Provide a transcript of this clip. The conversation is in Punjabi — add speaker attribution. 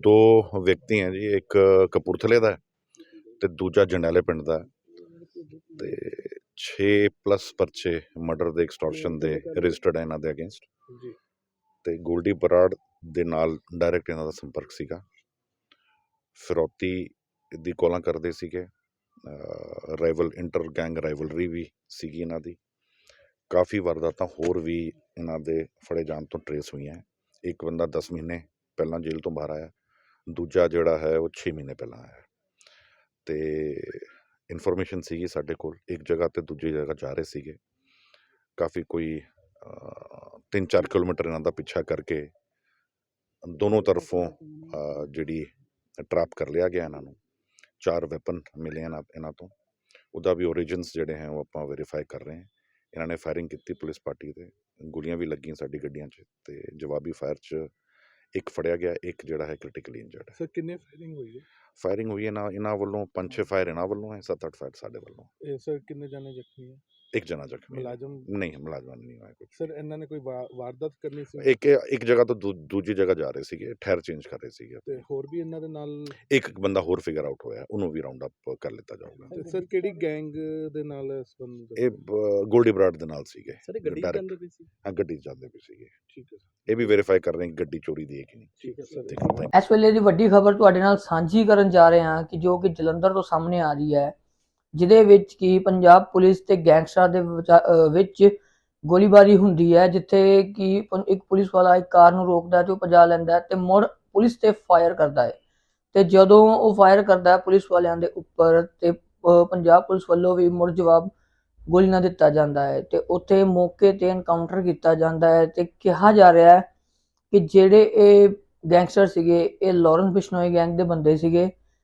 Speaker 1: ਦੋ ਵਿਅਕਤੀ ਹੈ ਜੀ, ਇੱਕ ਕਪੂਰਥਲੇ ਦਾ ਤੇ ਦੂਜਾ ਜੰਡਿਆਲੇ ਪਿੰਡ ਦਾ ਤੇ 6+ ਪਰਚੇ ਮਰਡਰ ਦੇ, ਐਕਸਟੋਰਸ਼ਨ ਦੇ ਰਜਿਸਟਰਡ ਹੈ ਇਹਨਾਂ ਦੇ ਅਗੇਂਸਟ। ਤੇ ਗੋਲਡੀ ਬਰਾੜ ਦੇ ਨਾਲ ਡਾਇਰੈਕਟ ਇਹਨਾਂ ਦਾ ਸੰਪਰਕ ਸੀਗਾ, ਫਿਰੌਤੀ ਦੀ ਕੋਲਾਂ ਕਰਦੇ ਸੀਗੇ, ਰਾਈਵਲ ਇੰਟਰ ਗੈਂਗ ਰਾਈਵਲਰੀ ਵੀ ਸੀਗੀ ਇਹਨਾਂ ਦੀ। ਕਾਫੀ ਵਾਰਦਾਤਾਂ ਹੋਰ ਵੀ ਇਹਨਾਂ ਦੇ ਫੜੇ ਜਾਣ ਤੋਂ ਟਰੇਸ ਹੋਈਆਂ। ਇੱਕ ਬੰਦਾ 10 ਮਹੀਨੇ ਪਹਿਲਾਂ ਜੇਲ੍ਹ ਤੋਂ ਬਾਹਰ ਆਇਆ, ਦੂਜਾ ਜਿਹੜਾ ਹੈ ਉਹ 6 ਮਹੀਨੇ ਪਹਿਲਾਂ ਆਇਆ। ਤੇ ਇਨਫੋਰਮੇਸ਼ਨ ਸੀਗੀ ਸਾਡੇ ਕੋਲ, ਇੱਕ ਜਗ੍ਹਾ ਤੇ ਦੂਜੀ ਜਗ੍ਹਾ ਜਾ ਰਹੇ ਸੀਗੇ, ਕਾਫੀ ਕੋਈ 3-4 ਕਿਲੋਮੀਟਰ ਇਹਨਾਂ ਦਾ ਪਿੱਛਾ ਕਰਕੇ ਦੋਨੋਂ ਤਰਫੋਂ ਜਿਹੜੀ ਟਰੈਪ ਕਰ ਲਿਆ ਗਿਆ ਇਹਨਾਂ ਨੂੰ। 4 ਵੈਪਨ ਮਿਲੇ ਇਹਨਾਂ ਤੋਂ, ਉਹਦਾ ਵੀ ਓਰੀਜਨਸ ਜਿਹੜੇ ਹੈ ਉਹ ਆਪਾਂ ਵੈਰੀਫਾਈ ਕਰ ਰਹੇ ਹਾਂ। ਇਹਨਾਂ ਨੇ ਫਾਇਰਿੰਗ ਕੀਤੀ ਪੁਲਿਸ ਪਾਰਟੀ 'ਤੇ, ਗੋਲੀਆਂ ਵੀ ਲੱਗੀਆਂ ਸਾਡੀ ਗੱਡੀਆਂ 'ਚ, ਤੇ ਜਵਾਬੀ ਫਾਇਰ 'ਚ ਇੱਕ ਫੜਿਆ ਗਿਆ, ਇੱਕ ਜਿਹੜਾ ਹੈ ਕ੍ਰਿਟੀਕਲੀ ਇੰਜਰਡ ਹੈ।
Speaker 2: ਸਰ ਕਿੰਨੇ ਫਾਇਰਿੰਗ ਹੋਈ ਹੈ?
Speaker 1: ਫਾਇਰਿੰਗ ਹੋਈ ਇਹਨਾਂ ਵੱਲੋਂ 5-6 ਫਾਇਰ ਇਹਨਾਂ ਵੱਲੋਂ ਹੈ, 7-8 ਫਾਇਰ ਸਾਡੇ ਵੱਲੋਂ।
Speaker 2: ਇਹ ਸਰ ਕਿੰਨੇ ਜਾਣੇ ਜ਼ਖਮੀ ਹੈ?
Speaker 1: ਇੱਕ ਜਣਾ ਜ਼ਖਮੀ,
Speaker 2: ਮੁਲਾਜ਼ਮ
Speaker 1: ਨਹੀਂ ਮੁਲਾਜ਼ਮਾਂ ਨਹੀਂ ਹੋਇਆ ਕੁਝ।
Speaker 2: ਸਰ ਇਹਨਾਂ ਨੇ ਕੋਈ ਵਾਰਦਾਤ ਕਰਨੀ ਸੀ?
Speaker 1: ਇੱਕ ਜਗ੍ਹਾ ਤੋਂ ਦੂਜੀ ਜਗ੍ਹਾ ਜਾ ਰਹੇ ਸੀਗੇ, ਠਹਿਰ ਚੇਂਜ ਕਰ ਰਹੇ ਸੀਗੇ।
Speaker 2: ਤੇ ਹੋਰ ਵੀ ਇਹਨਾਂ ਦੇ ਨਾਲ
Speaker 1: ਇੱਕ ਬੰਦਾ ਹੋਰ ਫਿਗਰ ਆਊਟ ਹੋਇਆ, ਉਹਨੂੰ ਵੀ ਰਾਉਂਡ ਅਪ ਕਰ ਲਿੱਤਾ ਜਾਊਗਾ।
Speaker 2: ਤੇ ਸਰ ਕਿਹੜੀ ਗੈਂਗ ਦੇ ਨਾਲ ਸੰਬੰਧ?
Speaker 1: ਇਹ ਗੋਲਡੀ ਬਰਾੜ ਦੇ ਨਾਲ ਸੀਗੇ।
Speaker 2: ਸਰ ਗੱਡੀ ਜਾਂਦੇ ਪਈ ਸੀ?
Speaker 1: ਹਾਂ, ਗੱਡੀ ਜਾਂਦੇ ਪਏ ਸੀਗੇ।
Speaker 2: ਠੀਕ ਹੈ,
Speaker 1: ਇਹ ਵੀ ਵੈਰੀਫਾਈ ਕਰ ਰਹੇ ਕਿ ਗੱਡੀ ਚੋਰੀ ਦੀ ਹੈ ਕਿ ਨਹੀਂ।
Speaker 2: ਠੀਕ ਹੈ ਸਰ।
Speaker 3: ਇਸ ਵੇਲੇ ਦੀ ਵੱਡੀ ਖਬਰ ਤੁਹਾਡੇ ਨਾਲ ਸਾਂਝੀ ਕਰਨ ਜਾ ਰਹੇ ਹਾਂ ਕਿ ਜੋ ਕਿ ਜਲੰਧਰ ਤੋਂ ਸਾਹਮਣੇ ਆ ਰਹੀ ਹੈ, ਜਿਹਦੇ ਵਿੱਚ ਕਿ ਪੰਜਾਬ ਪੁਲਿਸ ਤੇ ਗੈਂਗਸਟਰਾਂ ਦੇ ਵਿੱਚ ਗੋਲੀਬਾਰੀ ਹੁੰਦੀ ਹੈ, ਜਿੱਥੇ ਕਿ ਇੱਕ ਪੁਲਿਸ ਵਾਲਾ ਇੱਕ ਕਾਰ ਨੂੰ ਰੋਕਦਾ ਤੇ ਉਹ ਭਜਾ ਲੈਂਦਾ ਤੇ ਮੁੜ ਪੁਲਿਸ ਤੇ ਫਾਇਰ ਕਰਦਾ ਹੈ। ਤੇ ਜਦੋਂ ਉਹ ਫਾਇਰ ਕਰਦਾ ਹੈ ਪੁਲਿਸ ਵਾਲਿਆਂ ਦੇ ਉੱਪਰ, ਤੇ ਪੰਜਾਬ ਪੁਲਿਸ ਵੱਲੋਂ ਵੀ ਮੁੜ ਜਵਾਬ ਗੋਲੀ ਨਾਲ ਦਿੱਤਾ ਜਾਂਦਾ ਹੈ ਤੇ ਉੱਥੇ ਮੌਕੇ ਤੇ ਐਨਕਾਊਂਟਰ ਕੀਤਾ ਜਾਂਦਾ ਹੈ। ਤੇ ਕਿਹਾ ਜਾ ਰਿਹਾ ਹੈ ਕਿ ਜਿਹੜੇ ਇਹ ਗੈਂਗਸਟਰ ਸੀਗੇ ਇਹ ਲਾਰੈਂਸ ਬਿਸ਼ਨੋਈ ਗੈਂਗ ਦੇ ਬੰਦੇ ਸੀਗੇ,